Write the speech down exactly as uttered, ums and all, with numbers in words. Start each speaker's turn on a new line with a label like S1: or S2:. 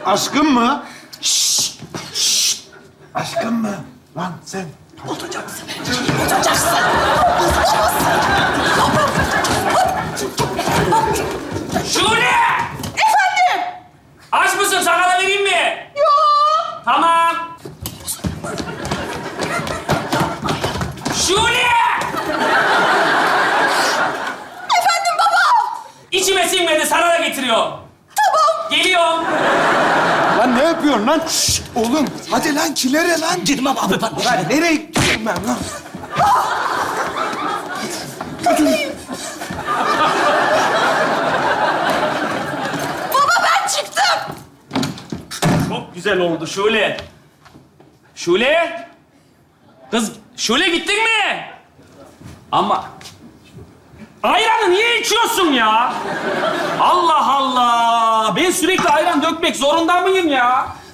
S1: Aşkım mı? Şşş! Şşş! Aşkım mı? Lan sen...
S2: Olacaksın. Olacaksın.
S3: Şule!
S2: Efendim?
S3: Aç mısın? Sana da vereyim mi? Yok. Tamam. Şule!
S2: Efendim baba?
S3: İçime sinmedi, sana da getiriyor.
S2: Tamam.
S3: Geliyorum.
S1: Lan ne yapıyorsun lan? Şşş! Oğlum hadi lan kilere lan.
S2: Girmem abi ben.
S1: Lan nereye gidiyorum ben lan?
S2: Baba ben çıktım.
S3: Çok güzel oldu Şule. Şule! Kız, Şule gittin mi? Ama... Ayranı niye içiyorsun ya? Allah Allah! Ben sürekli ayran dökmek zorunda mıyım ya?